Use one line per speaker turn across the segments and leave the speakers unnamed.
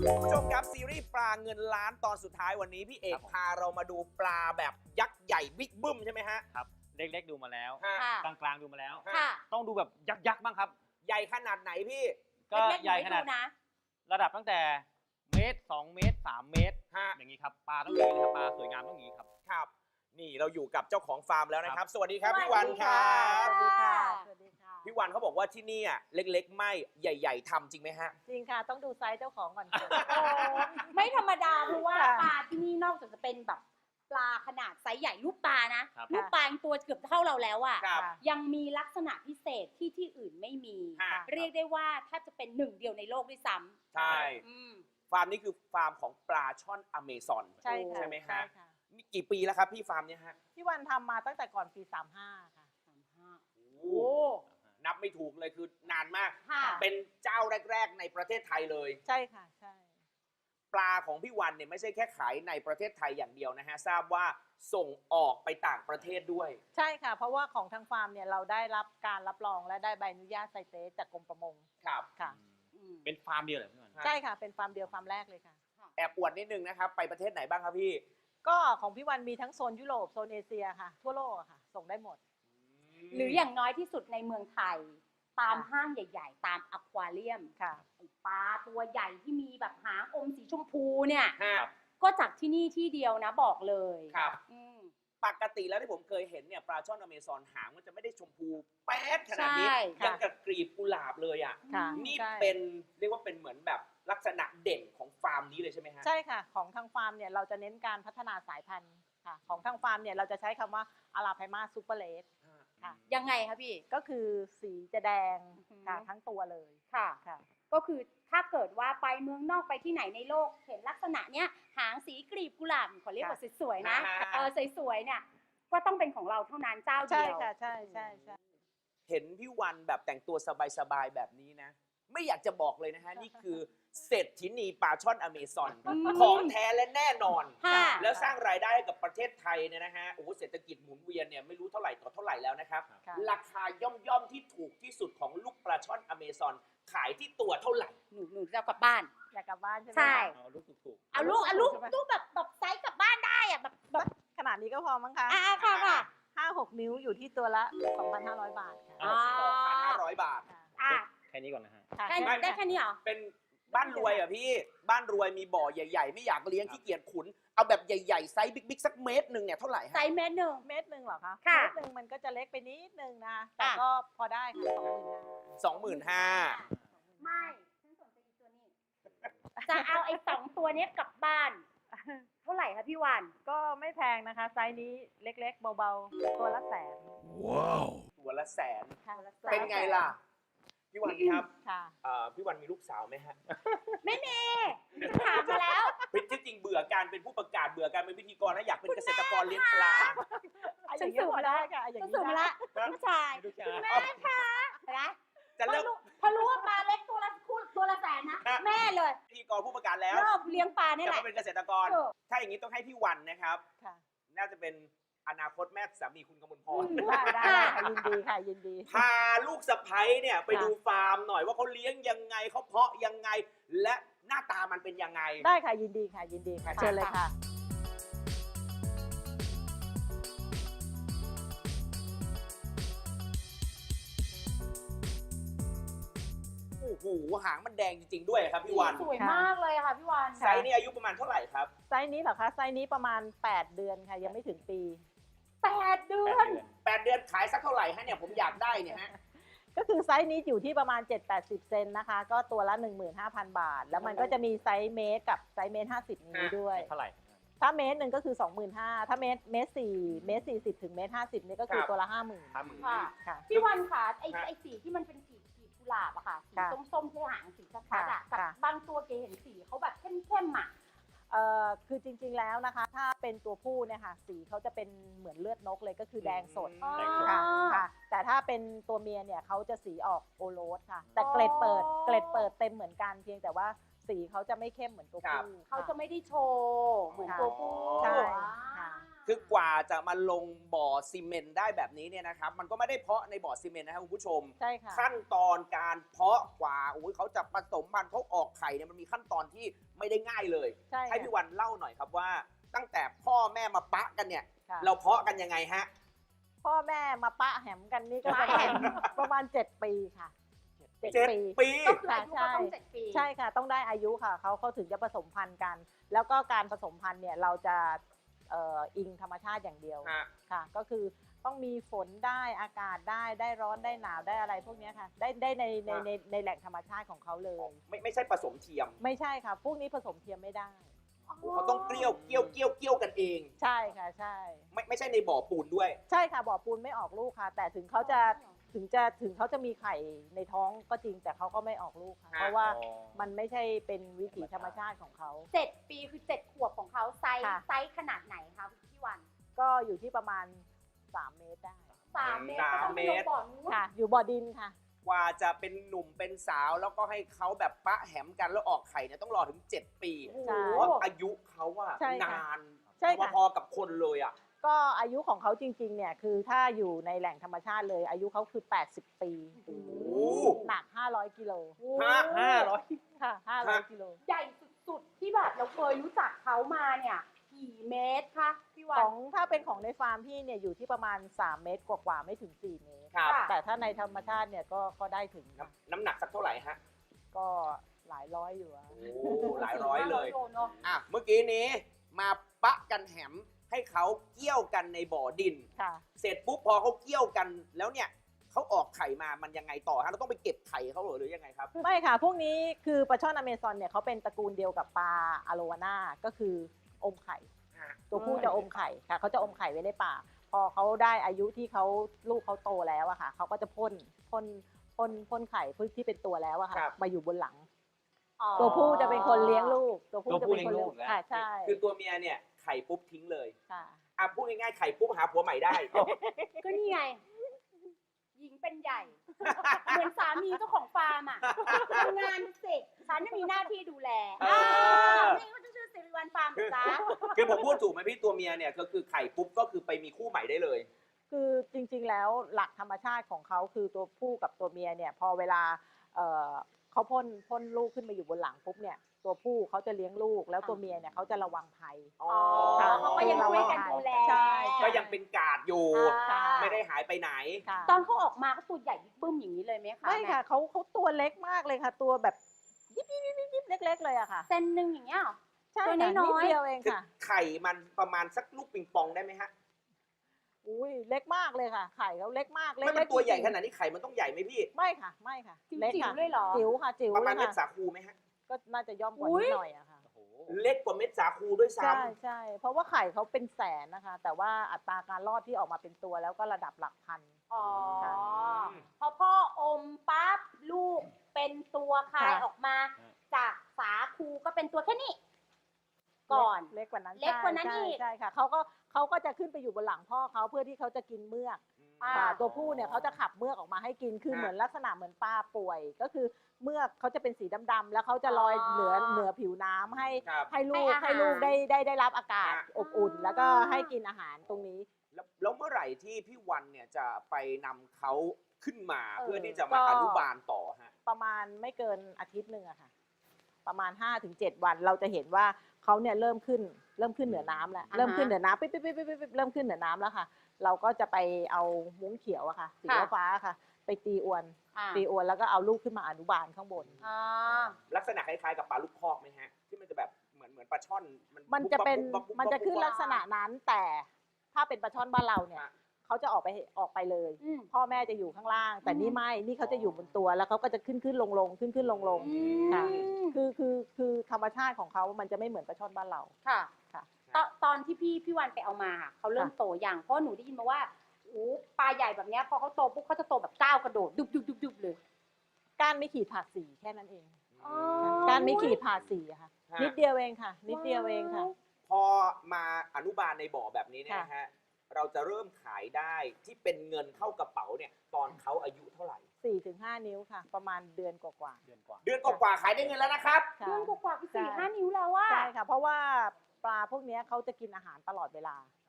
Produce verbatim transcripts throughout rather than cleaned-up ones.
ผู้ชมครับซีรีส์ปลาเงินล้านตอนสุดท้ายวันนี้พี่เอกพาเรามาดูปลาแบบยักษ์ใหญ่บิ๊กบึ้มใช่ไหมฮะ
ครับเล็กๆดูมาแล้ว
ฮะ
กลางๆดูมาแล้ว
ค่ะ
ต้องดูแบบยักษ์ๆบ้างครับ
ใหญ่ขนาดไหนพี่
ก็ใหญ่ขนาด
นะ
ระดับตั้งแต่เมตรสองเมตรสามเมตร
ฮะ
อย่างนี้ครับปลาต้องอย่างนี้ครับปลาสวยงามต้องอย่างนี้ครับ
ครับ นี่เราอยู่กับเจ้าของฟาร์มแล้วนะครับ สวัสดีครับ
สวัสดี
พี่วันครับ
สวัสดีค่ะ
สวัสดีค่ะ
พี่วันเขาบอกว่าที่นี่อ่ะเล็กๆ ไม่ใหญ่ๆทำจริงไหมฮะ
จริงค่ะ ต้องดูไซส์เจ้าของก่อนค่ะ
โอ้ไม่ธรรมดาเพราะว่า
ค่ะ
ปลาที่นี่นอกจากจะเป็นแบบปลาขนาดไซส์ใหญ่ลูกปลานะครับ ลูก
ค่ะ
ปลายังตัวเกือบเท่าเราแล้วอ่ะ
ครับ
ยังมีลักษณะพิเศษที่ที่อื่นไม่มี
ฮะ
เรียกได้ว่าถ้าจะเป็นหนึ่งเดียวในโลกด้วยซ้ำ
ใช่
อืม
ฟาร์มนี้คือฟาร์มของปลาช่อนอเมซอน
ใช่ค่ะ
ใช่ไหมฮะ
ใช่ค่ะ
นี่กี่ปีแล้วครับพี่ฟาร์มเนี่ยฮะ
พี่วันทำมาตั้งแต่ก่อนปีสามห้าค่ะ
โอ้นับไม่ถูกเลยคือนานมาก
ค่ะ
เป็นเจ้าแรก ๆ ในประเทศไทยเลย
ใช่ค่ะ ใช่
ปลาของพี่วันเนี่ยไม่ใช่แค่ขายในประเทศไทยอย่างเดียวนะฮะ ทราบว่าส่งออกไปต่างประเทศด้วย
ใช่ค่ะ เพราะว่าของทางฟาร์มเนี่ยเราได้รับการรับรองและได้ใบอนุญาตไซเตสจากกรมประมง
ครับ
ค่ะ
อืม
เป็นฟาร์มเดียวเหรอพี่วัน
ฮะ
ใช่ค่ะ เป็นฟาร์มเดียวฟาร์มแรกเลยค่ะ
แอบอวดนิดนึงนะครับ ไปประเทศไหนบ้างครับพี่
ก็ของพี่วันมีทั้งโซนยุโรปโซนเอเชียค่ะ ทั่วโลกอะค่ะ ส่งได้หมด
หรืออย่างน้อยที่สุดในเมืองไทย ตามห้างใหญ่ ๆ ตามอควาเรียม
ค่ะ
ไอ้ปลาตัวใหญ่ที่มีแบบหางอมสีชมพูเนี่ย
ฮะ
ก็จากที่นี่ที่เดียวนะบอกเลย
ครับ
อืม
ปกติแล้วที่ผมเคยเห็นเนี่ยปลาช่อนอเมซอนหางมันจะไม่ได้ชมพูแป๊ดขนาดนี้
ใช่
ค่ะ
ยังกับกลีบกุหลาบเลยอ่ะ
ค่ะ
นี่
ใช่
เป็นเรียกว่าเป็นเหมือนแบบลักษณะเด่นของฟาร์มนี้เลยใช่ไหมฮะ
ใช่ค่ะ ของทางฟาร์มเนี่ยเราจะเน้นการพัฒนาสายพันธุ์ค่ะ ของทางฟาร์มเนี่ยเราจะใช้คำว่าอาราไพมาซูเปอร์เลสค่ะ
ยังไงคะพี่
ก็คือสีจะแดง
อือหือ
ค่ะทั้งตัวเลย
ค่ะ
ค่ะ
ก็คือถ้าเกิดว่าไปเมืองนอกไปที่ไหนในโลก เห็นลักษณะเนี้ยหางสีกลีบกุหลาบขอเรียกว่าสวยๆนะ
อ่า
เออสวยๆเนี่ยก็ต้องเป็นของเราเท่านั้นเจ้าเดี
ใช่
ยว
ค่ะใช่ใช่ใช่
เห็นพี่วันแบบแต่งตัวสบายๆแบบนี้นะ ไม่อยากจะบอกเลยนะฮะ นี่คือเศรษฐินีปลาช่อนอเมซอน
อืม
ของแท้และแน่นอน
ค่ะ
แล้วสร้างรายได้ให้กับประเทศไทยเนี่ยนะฮะโอ้โหเศรษฐกิจหมุนเวียนเนี่ยไม่รู้เท่าไหร่ต่อเท่าไหร่แล้วนะครับ
ค่ะ
ราคาย่อมย่อมๆที่ถูกที่สุดของลูกปลาช่อนอเมซอนขายที่ตัวเท่าไหร่
หนูหนูจะเอากลับบ้าน
อยากกลับบ้านใช่ไหม
ใช่
คะ
เอาลูกถูก
เอาลูกเอาลูก
ใช่ไหม
ลูกแบบแบบไซส์กลับบ้านได้อะแบบแบบ
ขนาดนี้ก็พอมั้งคะ
อ่าค่ะค่ะ
ห้าหกนิ้วอยู่ที่ตัวละ สองพันห้าร้อย บาทค่ะ
อ่า
สองพันห้าร้อยบาท
ค่ะ
อ่ะ
ๆแค่นี้ก่อนนะฮะ
ค่ะ
แค่
ไม่
ได้แค่นี้เหรอ
เป็นบ้านรวยอ่ะพี่ บ้านรวยมีบ่อใหญ่ๆ ไม่อยากเลี้ยงขี้เกียจขุน เอาแบบใหญ่ๆ ไซส์บิ๊กๆ สักเมตรหนึ่งเนี่ยเท่าไหร่
ไซ
ฮะ
ส์เมตรหนึ่ง
เมตรหนึ่งเหรอคะ
ค่ะ
เมตรหนึ่งมันก็จะเล็กไปนิดนึงนะคะแต่
อ่ะ
ก็พอได้ค่ะสองหมื่นห้า
สองหมื่นห้า
ไม่ฉันสนใจอีกตัวนี้ จะเอาไอ้สองตัวเนี้ยกลับบ้าน เท่าไหร่คะพี่วัน
ก็ไม่แพงนะคะ ไซส์นี้เล็กๆ เบาๆ ตัวละแสน
ตัวละแสน
ค่ะ
เป็นไงล่ะ พี่วันครับ
ค่ะ
เอ่อพี่วันมีลูกสาวไหมฮะ
ไม่มีฉันถามมาแล้ว
เป็นที่จริงเบื่อการเป็นผู้ประกาศเบื่อการเป็นพิธีกรนะอยากเป็นเกษตรกรเลี้ยงปลา
ฉัน
อย่างนี้
สูง
พอ
แล้
ได้
ว
ค่ะอย่าง
ฉัน
นี้
สูงมา
ได้
ละลูกชาย
ลูกชาย
แม่คะเห็นไหม
จะ
พอ
เลิก
รู้พอรู้ว่าปลาเล็กตัวละคู่ตัวละแสนนะ
ฮะ
แม่เลย
พิธีกรผู้ประกาศแล้ว
รอบเลี้ยงปลานี่
จะ
แหละ
มาเป็นเกษตรกร
ถูก
ถ้าอย่างนี้ต้องให้พี่วันนะครับ
ค่ะ
น่าจะเป็นอนาคตแม่สามีคุณกมลพร
ได้ได้ได้ค่ะยินดีค่ะยินดี
พาลูกสะใภ้เนี่ยไปดูฟาร์มหน่อยว่าเขาเลี้ยงยังไงเขาเพาะยังไง และหน้าตามันเป็นยังไง
ได้ค่ะยินดีค่ะยินดีค่ะเชิญเลยค่ะ
โอ้โหหางมันแดงจริงๆด้วยครับพี่วัน
สวยมากเลยค่ะพี่วัน
ไซส์นี่อายุประมาณเท่าไหร่ครับ
ไซส์นี้เหรอคะไซส์นี้ประมาณ แปด เดือนค่ะ ยังไม่ถึงปี
แปดเดื
แป
อ
ด
น
เดือน
แปดเดือนขายสักเท่าไหร่ฮะเนี่ยผมอยากได้เนี่ยฮะ
ก็คือไซส์นี้อยู่ที่ประมาณ เจ็ดแปดสิบ เซนนะคะ ก็ตัวละ หนึ่งหมื่นห้าพัน บาท แล้วมันก็จะมีไซส์เมตรกับไซส์เมตรห้าสิบนิ้วด้วย
เท่าไหร่
ถ้าเมตรหนึ่งก็คือ สองหมื่นห้าพัน ถ้าเมตรเมตรสี่เมตรสี่สิบถึงเมตรห้าสิบนี่ก็คือ
ครับ
ตัวละ ห้าหมื่น
ห้าหมื่น
ค่ะ
ค่ะ
พี่วันค่ะไอ้
ฮะ
ไอ้สีที่มันเป็นสีสีกุหลาบอะค่ะสี
ค่ะ
ส้มๆที่หางสีชัดๆอะ
ค่ะ
กับ
ค่ะ
บางตัวเก๋เห็นสีเขาแบบเข้มๆอะ
เอ่อคือจริงๆแล้วนะคะ ถ้าเป็นตัวผู้เนี่ยค่ะสีเขาจะเป็นเหมือนเลือดนกเลยก็คือแดงสด
อืม
แดงสด
ค่ะค่ะ แต่ถ้าเป็นตัวเมียเนี่ยเขาจะสีออกโอโรสค่ะ แต่เกล็ดเปิดเกล็ดเปิดเต็มเหมือนกันเพียงแต่ว่าสีเขาจะไม่เข้มเหมือนตัวผู้
เขาจะ
ค่
ไม่ได้โชว์เหมือนตัวผู้
ใช่
อ่า
ค่ะ
คือกว่าจะมาลงบ่อซีเมนต์ได้แบบนี้เนี่ยนะครับ มันก็ไม่ได้เพาะในบ่อซีเมนต์นะครับคุณผู้ชม
ใช่ค่ะ
ขั้นตอนการเพาะกว่าโอ้ยเขาจะผสมพันธุ์เขาออกไข่เนี่ยมันมีขั้นตอนที่ไม่ได้ง่ายเลย
ใช่
ให้พี่วันเล่าหน่อยครับว่า ตั้งแต่พ่อแม่มาปะกันเนี่ย
ค่ะ
เราเพาะกันยังไงฮะ
พ่อแม่มาปะแหมกันนี่ก็ประมาณประมาณเจ็ดปีค่ะ
เจ็ด
เจ็ด
ปี
ก็คืออายุเขาต้องเจ็ดปี
ใช่ค่ะ ต้องได้อายุค่ะเขาเขาถึงจะผสมพันธุ์กัน แล้วก็การผสมพันธุ์เนี่ยเราจะเอ่ออิงธรรมชาติอย่างเดียว
ฮะ
ค่ะ ก็คือต้องมีฝนได้อากาศได้ได้ร้อนได้หนาวได้อะไรพวกเนี้ยค่ะ ได้ได้ในในในในแหล่งธรรมชาติของเขาเลย
ไม่ไม่ใช่ผสมเทียม
ไม่ใช่ค่ะ พวกนี้ผสมเทียมไม่ได้
เขาต้องเกลี้ยวเกลี้ยวเกลี้ยวเกลี้ยวกันเอง
ใช่ค่ะใช่
ไม่ไม่ใช่ในบ่อปูนด้วย
ใช่ค่ะบ่อปูนไม่ออกลูกค่ะ แต่ถึงเขาจะถึงจะถึงเขาจะมีไข่ในท้องก็จริงแต่เขาก็ไม่ออกลูกค่ะ
ฮะ
เพราะว่ามันไม่ใช่เป็นวิถีธรรมชาติของเขา
เจ็ดปีคือเจ็ดขวบของเขาไซส์
ค่ะ
ไซส์ขนาดไหนคะพี่วัน
ก็อยู่ที่ประมาณสามเมตรได้
สามเมตร
สาม
ก็ต้อง
เม
ไป
ตร
ลงบ่อนู้น
ค่ะ อยู่บ่อดินค่ะ
กว่าจะเป็นหนุ่มเป็นสาวแล้วก็ให้เขาแบบปะแหมกันแล้วออกไข่เนี่ยต้องรอถึงเจ็ดปี
โอ้โห
ใช่
เพราะอายุเขาอะ
ใช่ค่ะ
นาน
ใช่ค่ะ
พอๆกับคนเลยอะ
ก็อายุของเขาจริงๆเนี่ยคือถ้าอยู่ในแหล่งธรรมชาติเลย อายุเขาคือแปดสิบปี
โอ้โห
หนักห้าร้อยกิโล
ห้า
ห้าร้อย
ค่ะห้าร้อยกิโล
ใหญ่สุดๆที่แบบเราเคยรู้จักเขามาเนี่ยกี่เมตรคะพี่วั
ข
น
องถ้าเป็นของในฟาร์มพี่เนี่ยอยู่ที่ประมาณสามเมตรกว่าๆไม่ถึงสี่เมตร
ครับ
ค่ะ
แต่ถ้าในธรรมชาติเนี่ยก็ก็ได้ถึง
น้ำน้ำหนักสักเท่าไหร่ฮะ
ก็หลายร้อยอยู่อะ
โอ้หลายร้อยเลย
โเนอะ
อ่ะเมื่อกี้นี้มาปะกันแหมให้เขาเกี่ยวกันในบ่อดิน
ค่ะ
เสร็จปุ๊บพอเขาเกี่ยวกันแล้วเนี่ยเขาออกไข่มามันยังไงต่อฮะเราต้องไปเก็บไข่เขาเหรอหรือยังไงครับ
ไม่ค่ะ พวกนี้คือปลาช่อนอเมซอนเนี่ยเขาเป็นตระกูลเดียวกับปลาอะโลวาน่าก็คืออมไข่ ตัวผู้จะอมไข่ค่ะเขาจะอมไข่ไว้ในปากพอเขาได้อายุที่เขาลูกเขาโตแล้วอะค่ะเขาก็จะพ่นพ่นพ่นพ่นไข่พึ่งที่เป็นตัวแล้วอะค่ะ
ครับ
มาอยู่บนหลัง
อ๋อ
ตัวผู้จะเป็นคนเลี้ยงลูก ตัวผู้
ตัว
จะ
ผู้
เป็นคน
เลี้
เลี้
ย
ย
ง
ง
ลูกนะ
ค่ะใช่
คือตัวเมียเนี่ยไข่ปุ๊บทิ้งเลย
ค่ะ
อ่ะพูดง่ายๆไข่ปุ๊บหาผัวใหม่ได้
ก็นี่ไง หญิงเป็นใหญ่ เหมือนสามีเจ้าของฟาร์มอ่ะทำงานเสร็จฉันจะมีหน้าที่ดูแล
เออ
าวนี่ก็จะชื่อสิริวัลฟาร์มจ้า
คือผมพูดถูกไหมพี่ตัวเมียเนี่ยก็คือไข่ปุ๊บก็คือไปมีคู่ใหม่ได้เลย
คือจริงๆแล้วหลักธรรมชาติของเขาคือตัวผู้กับตัวเมียเนี่ยพอเวลาเอ่อเขาพ่นพ่นลูกขึ้นมาอยู่บนหลังปุ๊บเนี่ยตัวผู้เขาจะเลี้ยงลูกแล้วตัวเมียเนี่ยเขาจะระวังภัย
อ๋อ
อ๋อเขาก็ยังช่วยกันดูแล
ใช่
ก็ยังเป็นกาดอยู่
อ่า
ไม่ได้หายไปไหน
ค่ะ
ตอนเขาออกมาเขาตัวใหญ่บิ๊กบึ้มอย่างนี้เลยไหมคะ
ไม่ค่ะเขาเขาตัวเล็กมากเลยค่ะ ตัวแบบยิบยิบยิบยิบยิบเล็ก ๆ เลยอะค่ะ
เซนหนึ่งอย่างเงี้ยเหรอ
ใช่
ตัว
ค่ะ
น้อยๆ
นิดเดียวเอง
คือ
ค่ะ
ไข่มันประมาณสักลูกปิงปองได้ไหมฮะ
อุ้ยเล็กมากเลยค่ะ ไข่เขาเล็กมาก
ไม่
เล็
เป็น
ก
ตัวใหญ่
จริงๆ
ขนาดนี้ไข่มันต้องใหญ่ไหมพี่
ไม่ค่ะไม่ค่ะ
จิ๋ว
เล็ก
จิ๋ว
ค่ะ
เลยเหรอ
จิ๋วค่ะจิ๋ว
ประมาณ
เล
เม็
ย
ด
ค่ะ
สาคูไหมฮะ
ก็น่าจะย่อมกว่า
อุ๊ย
นิดหน่อยอะค่ะ
โอ้โห
เล็กกว่าเม็ดสาคูด้วยซ้
ใช่ใช่เพราะว่าไข่เขาเป็นแสนนะคะ แต่ว่าอัตราการรอดที่ออกมาเป็นตัวแล้วก็ระดับหลักพัน
อ๋อ
ค่ะ
พอพ่ออมปั๊บลูกเป็นตัวคาย
ค่ะ
ออกมา จากสาคูก็เป็นตัวแค่นี้ ก่อน
เล็กกว่านั้น
เล็กกว่านั้น
ใช่
อีก
ใช่ค่ะเขาก็เขาก็จะขึ้นไปอยู่บนหลังพ่อเขาเพื่อที่เขาจะกินเมือก
ำ
อ่า
ค่ะตัวผู้เนี่ยเขาจะขับเมือกออกมาให้กินคือ
ฮะ
เหมือนลักษณะเหมือนปลาป่วย ก็คือเมือกเขาจะเป็นสีดำๆแล้วเขาจะลอย
อ๋อ
เหนือเหนือผิวน้ำให้
ครับ
ให้ลูก
ให้อาหาร
ให้ลูกได้ได้ได้รับอากาศ
ฮะ
อบอุ่น แล้วก็ให้กินอาหารตรงนี้
แล้วแล้วเมื่อไหร่ที่พี่วันเนี่ยจะไปนำเขาขึ้นมา
เออ
เพื่อที่จะมา
ก็
อนุบาลต่อฮะ
ประมาณไม่เกินอาทิตย์หนึ่งอะค่ะ ประมาณ ห้าถึงเจ็ด วันเราจะเห็นว่าเขาเนี่ยเริ่มขึ้นเริ่มขึ้นเหนือน้ำแล้ว
อ่าฮะ
เริ่มขึ้นเหนือน้ำปิ๊บปิ๊บปิ๊บปิ๊บปิ๊บเริ่มขึ้นเหนือน้ำแล้วค่ะ เราก็จะไปเอามุ้งเขียวอะค่ะสี
ค่ะ
ฟ้าๆค่ะ ไปตีอวน
อ่า
ตีอวนแล้วก็เอาลูกขึ้นมาอนุบาลข้างบน
อ่า
ลักษณะคล้ายๆกับปลาลูกคอกไหมฮะ ที่มันจะแบบเหมือนเหมือนปลาช่อน
มันจะเป็น
บุ๊บบุ๊บบุ๊บบุ๊บ
มันจะขึ้น
บุ๊บ
ลักษณะนั้นแต่ถ้าเป็นปลาช่อนบ้านเราเนี่ย
ฮะ
เขาจะออกไปออกไปเลย
อืม
พ่อแม่จะอยู่ข้างล่าง แต่
อืม
นี่ไม่นี่เขาจะอยู่บนตัวแล้วเขาก็จะขึ้นขึ้นลงลงขึ้นขึ้นลงลง
อื
ค่ะ
ม
คือคือคือธรรมชาติของเขามันจะไม่เหมือนปลาช่อนบ้านเรา
ค่ะ
ค่ะ
ตอนตอนที่พี่พี่วันไปเอามาค่ะเขาเริ่ม
ค่ะ
โตอย่างเพราะหนูได้ยินมาว่าอู้ปลาใหญ่แบบเนี้ยพอเขาโตปุ๊บเขาจะโตแบบก้าวกระโดดดุบดุบดุบดุบเลย
ก้านไม่ขีดผ่าสีแค่นั้นเอง
อ๋อ
ก้านไม่ขีดผ่าสีอะค่ะ
ฮะ
นิดเดียวเองค่ะ นิดเดียวเองค่ะ
พอมาอนุบาลในบ่อแบบนี้เนี่ยนะฮะ เราจะเริ่มขายได้ที่เป็นเงินเข้ากระเป๋าเนี่ยตอนเขาอายุเท่าไหร่
สี่ถึงห้านิ้วค่ะ ประมาณเดือนกว่า
เดือนกว่า
เดือนกว่าๆขายได้เงินแล้วนะครับ
ๆค่ะ
เดือนกว่าๆคือสี่
ใช่
ห้านิ้วแล้วว่า
ใช่ค่ะ เพราะว่าปลาพวกเนี้ยเขาจะกินอาหารตลอดเวลา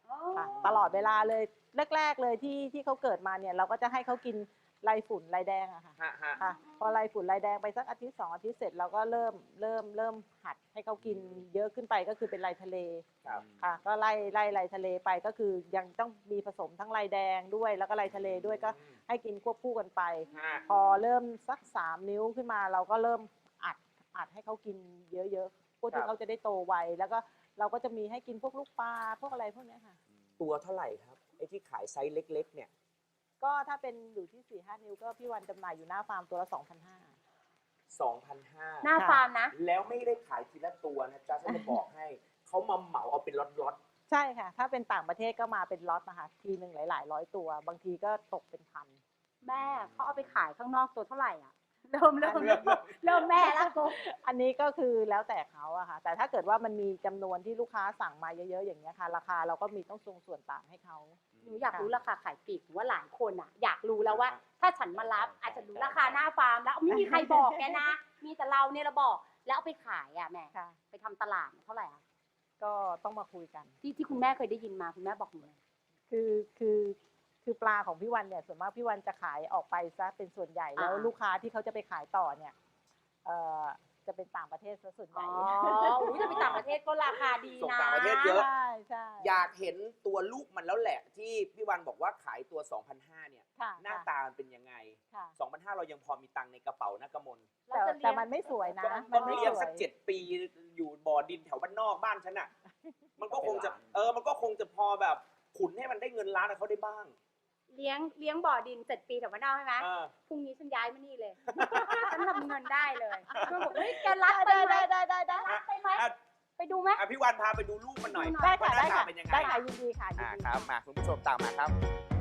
อ๋อ
ค่ะตลอดเวลาเลยแรก ๆ เลยที่ที่เขาเกิดมาเนี่ยเราก็จะให้เขากินไรฝุ่นไรแดงอะค่ะ
ฮะฮะ
ค่ะพอไรฝุ่นไรแดงไปสักอาทิตย์สองอาทิตย์เสร็จเราก็เริ่มเริ่มเริ่มหัดให้เขากินเยอะขึ้นไปก็คือเป็นไรทะเล
ครับ
ค่ะก็ไล่ไล่ไรทะเลไปก็คือยังต้องมีผสมทั้งไรแดงด้วยแล้วก็ไรทะเลด้วยก็ให้กินควบคู่กันไป
ฮะ
พอเริ่มสักสามนิ้วขึ้นมาเราก็เริ่มอัดอัดให้เขากินเยอะๆเพื่อ
ครั
ที่
บ
เขาจะได้โตไวแล้วก็เราก็จะมีให้กินพวกลูกปลาพวกอะไรพวกเนี้ยค่ะ
ตัวเท่าไหร่ครับไอ้ที่ขายไซส์เล็ก ๆ เนี่ย
ก็ถ้าเป็นอยู่ที่สี่ห้านิ้วก็พี่วันจำหน่ายอยู่หน้าฟาร์มตัวละสองพันห้า
สองพันห้า
หน้าฟาร์มนะ
แล้วไม่ได้ขายทีละตัวนะจ๊ะฉันจะบอกให้ เขามาเหมาเอาเป็นล็อต
ใช่ค่ะ ถ้าเป็นต่างประเทศก็มาเป็นล็อตนะคะทีหนึ่งหลาย ๆ ร้อยตัว บางทีก็ตกเป็นพัน
แม่เขาเอาไปขายข้างนอกตัวเท่าไหร่อ่ะ เริ่มเริ่มเริ่มเริ่มแม่แล้วกู
อันนี้ก็คือแล้วแต่เขาอะค่ะ แต่ถ้าเกิดว่ามันมีจำนวนที่ลูกค้าสั่งมาเยอะ ๆ อย่างเงี้ยค่ะ ราคาเราก็มีต้องทรงส่วนต่างให้เขา
หนูอยากรู้ราคาขายปลีกหรือว่าหลายคนอ่ะ อยากรู้แล้วว่า ถ้าฉันมารับอาจจะรู้ราคาหน้าฟาร์มแล้วไม่มีใครบอกแกนะ มีแต่เราเนี่ยเราบอกแล้วเอาไปขายอ่ะแม่
ค่ะ
ไปทำตลาดเท่าไหร่อ่ะ
ก็ต้องมาคุยกัน
ที่ที่คุณแม่เคยได้ยินมาคุณแม่บอกหนูเลย
คือคือคือปลาของพี่วันเนี่ยส่วนมากพี่วันจะขายออกไปซะเป็นส่วนใหญ่แล้วลูกค้าที่เขาจะไปขายต่อเนี่ยเอ่อจะเป็นต่างประเทศซะส่วนให
อ๋
ญ่
ออุ้ยจะไปต่างประเทศก็ราคาดี
ส่ง
นะ
ต่างประเทศเยอะ
ใช่ใช่
ๆ อยากเห็นตัวลูกมันแล้วแหละ ที่พี่วันบอกว่าขายตัว สองพันห้า เนี่ย
ค่ะ
หน้าตามันเป็นยังไง
ค่ะ
สองพันห้า เรายังพอมีตังค์ในกระเป๋านะกมล
เรา
แต่
จะเลี้
แต่
ยง
มันไม่สวยนะ
ก็
มั
ก็
นไม่
เลี้ยง
สว
สัก
ย
เจ็ดปีอยู่บ่อดินแถวบ้านนอกบ้านฉันอ่ะ มันก็คงจะเออมันก็คงจะพอแบบขุนให้มันได้เงินล้านกับเขาได้บ้าง
เลี้ยงเลี้ยงบ่อดินเจ็ดปีแต่ว่าเน่าใช่ไหม
เออ
พรุ่งนี้ฉันย้ายมานี่เลย ฉันทำเงินได้เลยเพื่อนบอกเฮ้ยแกรักไป
ได้
ไหม
ได้ได้ได้ได้
รักไปไหม
อ่ะ
ไปดูไหม
อ่ะพี่วันพาไปดูลูกมันหน่อย
ได้ค่ะ
ว่าห
ได้
น้าตา
ค่ะ
เป็นยังไง
ได้ค่ะยินดีค่ะยิน
อ่า
ดี
ครับมาคุณผู้ชมตามมาครับ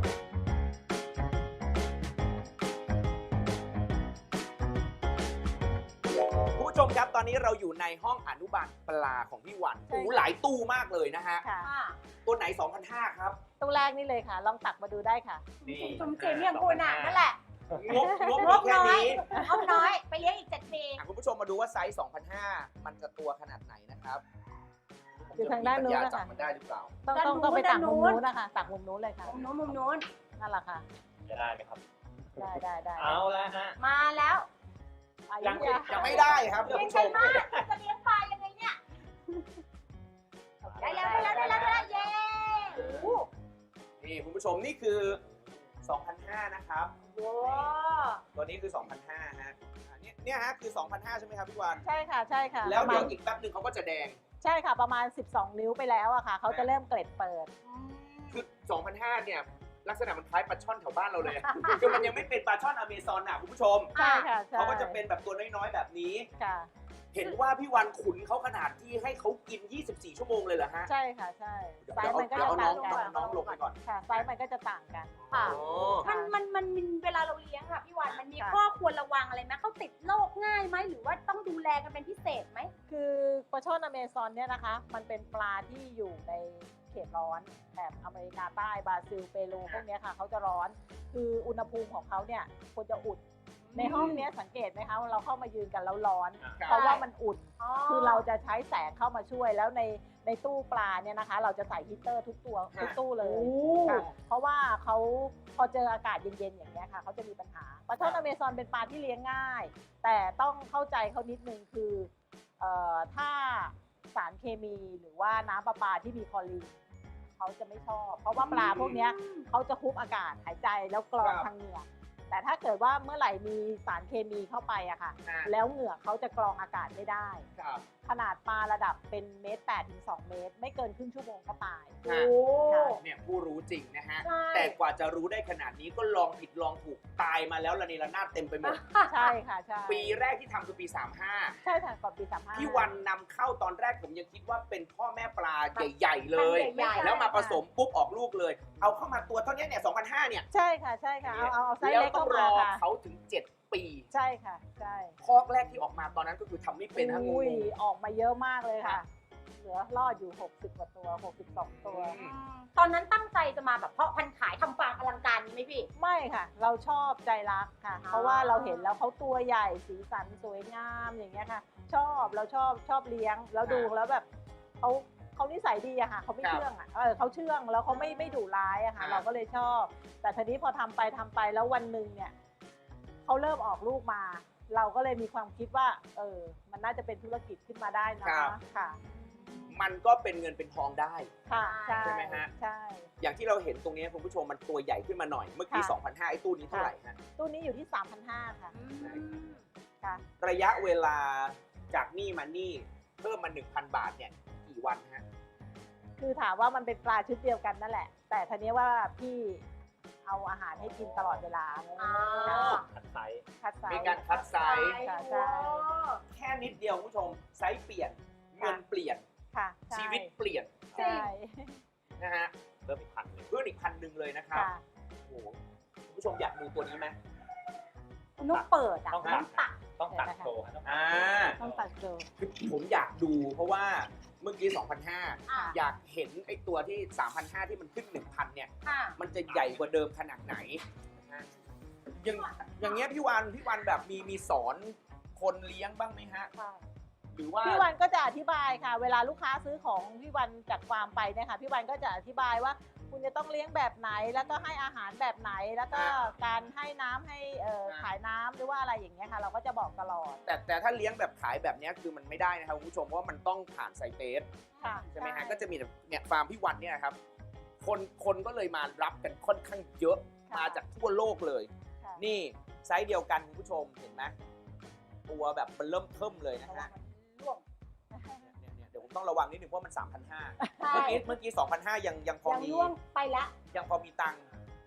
คุณผู้ชมครับตอนนี้เราอยู่ในห้องอนุบาลปลาของพี่วันโอ้โหหลายตู้มากเลยนะฮะ
ค่ะ
อ่า
ตัวไหน สองพันห้า ครับ
ตู้แรกนี่เลยค่ะ ลองตักมาดูได้ค่ะ
นี่
ชมเจมอย่างคุณอ่ะนั่นแหละ
งบงบ
ง
มี
บ
แค่
น้อย
นี้
งบน้อย ไปเลี้ยงอีกเจ็ดปี
อ่ะคุณผู้ชมมาดูว่าไซส์ สองพันห้า มันจะตัวขนาดไหนนะครับ
อยู่ทางด้านนู้น
ผมจมี
นะคะ
ปัญญาจับมันได้หรือเปล่า
ต้อง
ด้าน
ต้อง
นู้น
ต้องไปตัก
ด้านนู้
มุม
น
นู้นนะคะตักมุมนู้นเลยค่ะ
มุมนู้นมุมนู้น
นั่นแหละค่ะ
จะได้ไหมครับ
ได้ได้ได้
เอาแล้วฮะ
มาแล้ว
อา
ยั
ยุ
ง
ยา
ยังไม่ได้ครับคุณ
เลี้ยง
ผู้ช
ใคร
ม
มากจะเลี้ยงปลายังไงเนี่ย ได้แล้วได้แล้วได้แล้วได้แล้วเย้โอ้
นี่คุณผู้ชมนี่คือ สองพันห้า นะครับ
โห
ตัวนี้คือ สองพันห้า ฮะอ่ะเนี่ยเนี่ยฮะคือ สองพันห้า ใช่ไหมครับพี่วัน
ใช่ค่ะใช่ค่ะ
แล้ว
ประมา
เดี๋ย
ณ
วอีกแป๊บหนึ่งเขาก็จะแดง
ใช่ค่ะประมาณสิบสองนิ้วไปแล้วอะค่ะเขาจะเริ่มเกล็ดเปิด
คือ สองพันห้า เนี่ย ลักษณะมันคล้ายปลาช่อนแถวบ้านเราเลย คือมันยังไม่เป็นปลาช่อนอเมซอนอ่ะคุณผู้ชม
ใช่ค่ะใช่
เขาก็จะเป็นแบบตัวน้อยๆแบบนี้
ค่ะ
เห็นว่าพี่วันขุนเขาขนาดที่ให้เขากิน ยี่สิบสี่ ชั่วโมงเลยเหรอฮะ
ใช่ค่ะใช่ไซ
เดี๋ยว
ส์มันก็
เดี๋ยว
จะ
เอาน้
ต่า
อง
งกัน
น้องลงไปก่อน
ค่ะไซส์มันก็จะต่างกัน
ค่ะ
โอ้
มันมันมันมันเวลาเราเลี้ยงค่ะพี่วันมันมี
ค่ะ
ข้อควรระวังอะไรไหมเขาติดโรคง่ายไหมหรือว่าต้องดูแลกันเป็นพิเศษไหม
คือปลาช่อนอเมซอนเนี่ยนะคะ มันเป็นปลาที่อยู่ในเขตร้อนแถบอเมริกาใต้บราซิลเปรูพวกเนี้ยค่ะเขาจะร้อน คืออุณหภูมิของเขาเนี่ยควรจะอุ่น ในห้องเนี้ยสังเกตไหมคะว่าเราเข้ามายืนกันแล้วร้อน
ครับ
เพราะว่ามันอุ่น คือเราจะใช้แสงเข้ามาช่วยแล้วในในตู้ปลาเนี่ยนะคะ เราจะใส่ฮีตเตอร์ทุกตัวทุกตู้เลยค่ะเพราะว่าเขาพอเจออากาศเย็นๆอย่างเงี้ยค่ะเขาจะมีปัญหาปลาช่อนอเมซอนเป็นปลาที่เลี้ยงง่าย แต่ต้องเข้าใจเขานิดนึงคือเอ่อถ้าสารเคมีหรือว่าน้ำประปาที่มีคลอรีนเขาจะไม่ชอบ เพราะว่าปลาพวกเนี้ยเขาจะคุบอากาศหายใจแล้วกรองทางเหงือกแต่ถ้าเกิดว่าเมื่อไหร่มีสารเคมีเข้าไปอะค่ะ
อ่ะ
แล้วเหงือกเขาจะกรองอากาศไม่ได้
ครับ
ขนาดปลาระดับเป็นเมตรแปดถึงสองเมตร ไม่เกินครึ่งชั่วโมงก็ตาย
โอ้
เนี่ยผู้รู้จริงนะฮะ
ใช่
แต่กว่าจะรู้ได้ขนาดนี้ก็ลองผิดลองถูกตายมาแล้วระเนระนาดเต็มไปหมด
ใช่ค่ะใช่
ปีแรกที่ทำคือปี สามห้า
ใช่ค่ะก่อนปีสามห้า
ที่วันนำเข้าตอนแรกผมยังคิดว่าเป็นพ่อแม่ปลาใหญ่ๆเลย
ใหญ่ๆ
แล้วมาผสมปุ๊บออกลูกเลย เอาเข้ามาตัวเท่านี้เนี่ย สองพันห้า เนี่ย
ใช่ค่ะใช่ค่ะเอาเอาเอาไซส์
แล้ว
เล็ก
ต้อ
เข้าง
ร
มา
อ
ค่ะ
เขาถึง เจ็ด ปี
ใช่ค่ะใช่
คอกแรกที่ออกมาตอนนั้นก็คือทำไม่เป็นฮะง
อุ้ย
ง
ออกมาเยอะมากเลยค่ะ เหลือรอดอยู่หกสิบกว่าตัวหกสิบสองตัว
อืม
ตอนนั้นตั้งใจจะมาแบบเพาะพันธุ์ขายทำฟาร์มอลังการนี้ไหมพี่
ไม่ค่ะ เราชอบใจรักค่ะ
อ๋อ
เพราะว่าเราเห็นแล้วเขาตัวใหญ่สีสันสวยงามอย่างเงี้ยค่ะ ชอบเราชอบชอบเลี้ยงแล้วดูแล้วแบบเขาเขานิสัยดีอะค่ะเขาไม่
ครับ
เชื่องอะเออเขาเชื่องแล้วเขาไม่ไม่ดุร้ายอะค่ะ
อ่า
เราก็เลยชอบ แต่ทีนี้พอทำไปทำไปแล้ววันหนึ่งเนี่ยเขาเริ่มออกลูกมา เราก็เลยมีความคิดว่า เออ มันน่าจะเป็นธุรกิจขึ้นมาได้นะครับ ค่ะ
มันก็เป็นเงินเป็นทองได้
ค่ะใช่
ใช่ไหมฮะ
ใช่
อย่างที่เราเห็นตรงนี้คุณผู้ชมมันตัวใหญ่ขึ้นมาหน่อย เมื่อกี้
ค่ะ
สองพันห้าร้อยไอ้ตู้นี้เท่าไหร่ฮะ
ตู้นี้อยู่ที่ สามพันห้าร้อย ค่ะ
อืม
ค่ะ
ระยะเวลาจากนี่มานี่เพิ่มมา หนึ่งพัน บาทเนี่ยกี่วันฮะ
คือถามว่ามันเป็นปลาชุดเดียวกันนั่นแหละ แต่ทีนี้ว่าพี่เอาอาหารให้กินตลอดเวลา
อ่า
ขัดไซส์
คัดไซ
มี
ส์
การคัดไซส์
ค่ะใช่
แค่นิดเดียวคุณผู้ชมไซส์เปลี่ยน เงินเปลี่ยน
ค่ะใช่
ชีวิตเปลี่ยน
ใช่
นะฮะ
เพิ่มอีกพันหนึ่ง
เพิ่มอีกพันหนึ่งเลยนะครับ
ค่ะ
โอ้โหคุณผู้ชมอยากดูตัวนี้ไหม
นุกเปิดอ่ะ
ต้อง
นุ
ตัด
กตัด
ต้องตัดโชว์ต้องตัด
อ่า
ต้องตัดโจ
คือผมอยากดูเพราะว่าเมื่อกี้ สองพันห้าร้อย
อ่ะ
อยากเห็นไอ้ตัวที่ สามพันห้าร้อย ที่มันขึ้น หนึ่งพัน เนี่ย
ค่ะ
มันจะใหญ่กว่าเดิมขนาดไหนนะฮะอย่างอย่างเงี้ยพี่วันพี่วันแบบมีมีสอนคนเลี้ยงบ้างไหมฮะ
ค่ะ
หรือว่า
พี่วันก็จะอธิบายค่ะ เวลาลูกค้าซื้อของพี่วันจากฟาร์มไปเนี่ยค่ะพี่วันก็จะอธิบายว่าคุณจะต้องเลี้ยงแบบไหน แล้วก็ให้อาหารแบบไหน แล้วก็การให้น้ำให้เอ่อขายน้ำหรือว่าอะไรอย่างเงี้ยค่ะ เราก็จะบอกตลอด
แต่แต่ถ้าเลี้ยงแบบขายแบบเนี้ยคือมันไม่ได้นะครับคุณผู้ชมเพราะว่ามันต้องผ่านไซเตส
ค่ะ
ใช่ไหมฮะก็จะมีแบบเนี่ยฟาร์มพี่วันเนี่ยครับคนคนก็เลยมารับกันค่อนข้างเยอะ
ค่ะ
มาจากทั่วโลกเลย
ค่ะ
นี่ไซส์เดียวกันคุณผู้ชมเห็นไหมตัวแบบมันเริ่มเทิมเลยนะฮะ
ร่วง
เนี่ยเนี่ยเนี่ยเดี๋ยวผมต้องระวังนิดนึงเพราะมัน สามพันห้าร้อย
ใช่
เมื่อกี้เมื่อกี้ สองพันห้าร้อย ยังยังพอ
ยัง
มี
ร่วงไปละ
ยังพอมีตังค์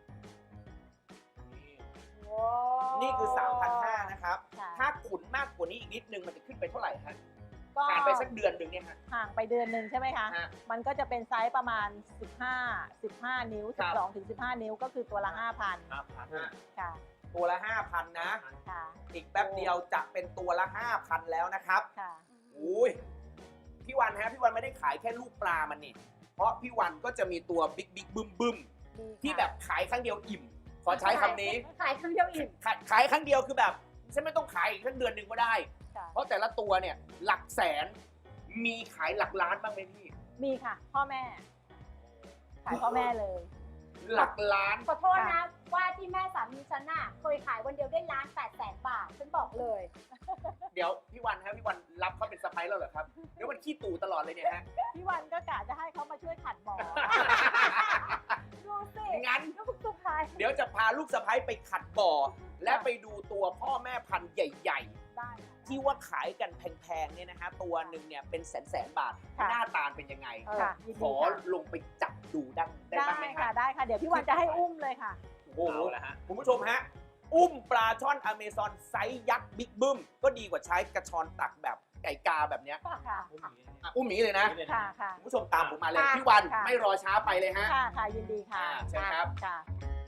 นี่
ว้าว
นี่คือ สามพันห้าร้อย นะครับ
ค่ะ
ถ้าขุนมากกว่านี้อีกนิดนึงมันจะขึ้นไปเท่าไหร่ฮะ
ก็
ผ่านไปสักเดือนหนึ่งเนี่ยฮะ
ห่างไปเดือนหนึ่งใช่ไหมคะ
ฮะ
มันก็จะเป็นไซส์ประมาณ สิบห้า สิบห้า นิ้ว
ครับ
สิบสองถึงสิบห้า นิ้วก็คือตัวละ ห้าพัน
ห้าพัน
ฮะ
ค่ะ
ตัวละ ห้าพัน นะ
ค่ะ
อีกแป๊บเดียวจะเป็นตัวละ ห้าพัน แล้วนะครับ
ค่ะ
อุ้ยพี่วันฮะพี่วันไม่ได้ขายแค่ลูกปลามันนี่ เพราะพี่วันก็จะมีตัวบิ๊กบิ๊กบึ้มบึ้ม
ดีค่ะ
ที่แบบขายครั้งเดียวอิ่ม ขอใช้คำนี้
ขายครั้งเดียวอิ่ม
ขายขายครั้งเดียวคือแบบฉันไม่ต้องขายอีกทั้งเดือนหนึ่งก็ได้
ค่ะ
เพราะแต่ละตัวเนี่ยหลักแสนมีขายหลักล้านบ้างไหมพี่
มีค่ะ พ่อแม่ ขายพ่อแม่เลย
หลักล้าน
ขอโทษนะ ว่าที่แม่สามีฉันน่ะเคยขายวันเดียวได้ล้านแปดแสนบาท ฉันบอกเลย
เดี๋ยวพี่วันครับพี่วันรับเขาเป็นสะพ้ายแล้วเหรอครับเดี๋ยวมันขี้ตู่ตลอดเลยเนี่ยฮะ
พี่วันก็กะจะให้เขามาช่วยขัดบ่อ
ดูสิ
งั้น
ลูกสุดท้าย
เดี๋ยวจะพาลูกสะพ้ายไปขัดบ่อ และไปดูตัวพ่อแม่พันธุ์ใหญ่
ได้ค่ะ
ๆ ที่ว่าขายกันแพงๆเนี่ยนะฮะตัวหนึ่งเนี่ยเป็นแสนๆบาท
ค่ะ
หน้าตาเป็นยังไง
เออยิน
ข
ดี
อ
ค่ะ
ลงไปจับดูได้ได้
ได้
บ้างไหม
ค่ะ
ฮะ
ได้ค่ะ เดี๋ยวพี่วันจะให้อุ้มเลยค่ะ
โอ้โห
เอาละฮะ
คุณผู้ชมฮะ อุ้มปลาช่อนอเมซอนไซส์ยักษ์บิ๊กบึ้มก็ดีกว่าใช้กระชอนตักแบบไก่กาแบบเนี้ย
ค่ะ
อ่ะอุ้มหมีเลยนะ
ค่ะ ค่ะ
คุณผู้ชมตามผมมาเลย
ค่ะ
พี่วัน
ค่ะ
ไม่รอช้าไปเลยฮะ
ค่ะ ค่ะ ยินดีค่ะ
อ่าเชิญครับ
ค่ะ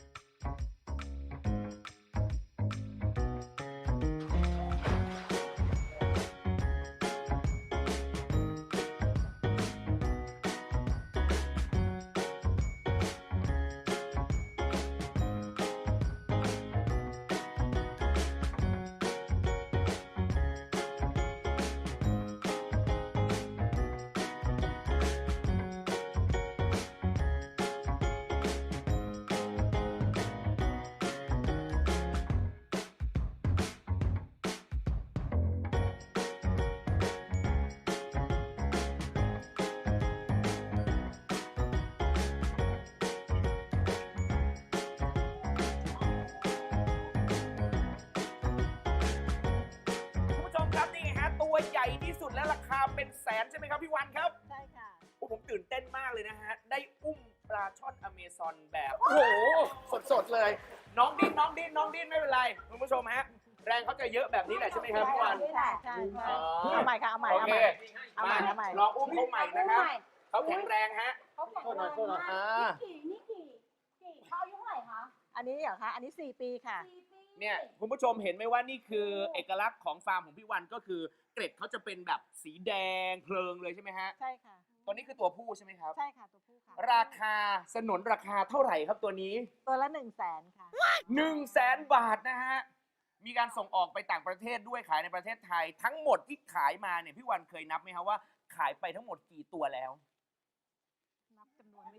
คุณผู้ชมครับนี่ไงฮะตัวใหญ่ที่สุดและราคาเป็นแสนใช่ไหมครับพี่วันครับ
ใช่ค่ะ
โอ้ผมตื่นเต้นมากเลยนะฮะ ได้อุ้มปลาช่อนอเมซอนแบบ โอ้โห สดๆเลย น้องดิ้นน้องดิ้นน้องดิ้นไม่เป็นไร คุณผู้ชมฮะ แรงเขาจะเยอะแบบนี้แหละใช่ไหมครับพี่วัน
ใช่ใช่ใช่
อ๋อ
เอาใหม่ค่ะ เอาใหม่
โอ
เอา
เค
ใหม่ เอาใหม่
มา
เอาใหม่
ลองอุ้มเขาใหม่นะครับ
เอา
เขาแข็งแรงฮะ
เขาแข็งแรงมาก
อ่า
นี่กี่นี่กี่กี่เขาอายุเท่าไหร่คะ
อันนี้เหรอคะ อันนี้สี่ปีค่ะ
สี่ปี
เนี่ยคุณผู้ชมเห็นไหมว่านี่คือเอกลักษณ์ของฟาร์มของพี่วันก็คือเกร็ดเขาจะเป็นแบบสีแดงเพลิงเลยใช่ไหมฮะ
ใช่ค่ะ
ตัวนี้คือตัวผู้ใช่ไหมครับ
ใช่ค่ะ ตัวผู้ค่ะ
ราคาสนนราคาเท่าไหร่ครับตัวนี้
ตัวละหนึ่งแสนค่ะ
หนึ่งแสนบาทนะฮะ มีการส่งออกไปต่างประเทศด้วยขายในประเทศไทย ทั้งหมดที่ขายมาเนี่ยพี่วันเคยนับไหมครับว่าขายไปทั้งหมดกี่ตัวแล้ว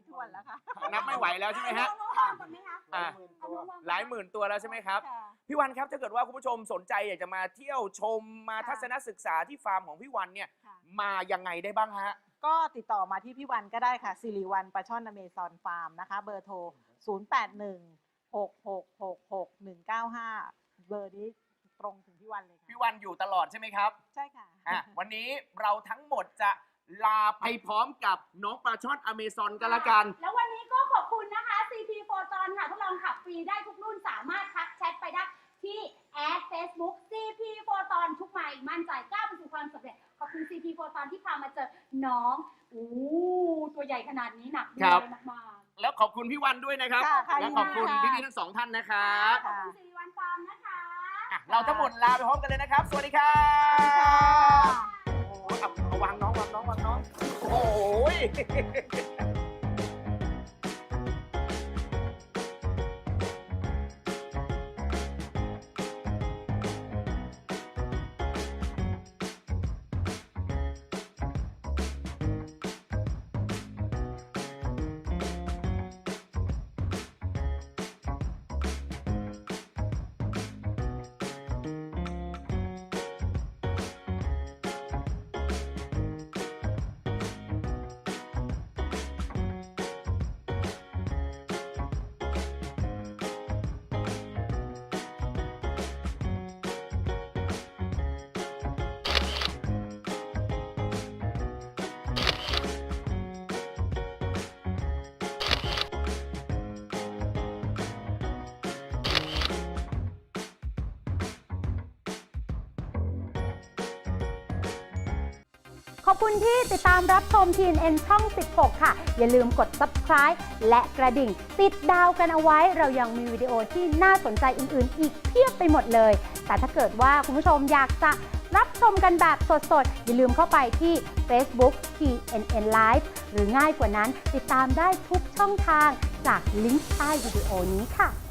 ทวนแล้วค่ะ
นับไม่ไหวแล้วใช่ไหมฮะ
น้องๆก่อนไหมคะ
อ่ะ
เอาน้องๆ
หลายหมื่นตัวแล้วใช่ไหมครับ
ค่ะ
พี่วันครับถ้าเกิดว่าคุณผู้ชมสนใจอยากจะมาเที่ยวชมมา
ค่ะ
ทัศนศึกษาที่ฟาร์มของพี่วันเนี่ย
ค่ะ
มายังไงได้บ้างฮะ
ก็ติดต่อมาที่พี่วันก็ได้ค่ะสิริวันปลาช่อนอเมซอนฟาร์มนะคะ เบอร์โทร ศูนย์ แปด หนึ่ง หก หก หก หก หนึ่ง เก้า ห้า เบอร์นี้ตรงถึงพี่วันเลย
พี่
ค่ะ
วันอยู่ตลอดใช่ไหมครับ
ใช่ค่ะ
อ่ะ วันนี้เราทั้งหมดจะลาไปพร้อมกับน้องปลาช่อนอเมซอนกันละกัน
แล้ววันนี้ก็ขอบคุณนะคะ ซี พี Photon ค่ะทดลองขับฟรีได้ทุกรุ่นสามารถทักแชทไปได้ที่แอด Facebook ซี พี Photon ทุกไมล์มั่นใจก้าวไปสู่ความสำเร็จ ขอบคุณ ซี พี Photon ที่พามาเจอน้องอู้ตัวใหญ่ขนาดนี้หนักด้
ครั
ว
บ
ยมาก
แล้วขอบคุณพี่วันด้วยนะครับ
ค่ะค่ะ
และขอบคุณ
ยินดีค่ะ
พี่ๆทั้งสองท่านนะค
ๆ
รับ
ขอบคุณสิริวัลฟาร์มนะคะ
อ่ะเราทั้งหมดลาไปพร้อมกันเลยนะครับ สวัสดีครับ โอ้โหเอาเอาวางน้องวางน้องวางน้อง โอ้ย
ขอบคุณที่ติดตามรับชม ที เอ็น เอ็น ช่อง สิบหก ค่ะ อย่าลืมกด ซับสไครบ์ และกระดิ่ง ติดดาวกันเอาไว้ เรายังมีวิดีโอที่น่าสนใจอื่นๆ อีกเพียบไปหมดเลย แต่ถ้าเกิดว่าคุณผู้ชมอยากจะรับชมกันแบบสดๆ อย่าลืมเข้าไปที่ Facebook ที เอ็น เอ็น Live หรือง่ายกว่านั้นติดตามได้ทุกช่องทางจากลิงก์ใต้วิดีโอนี้ค่ะ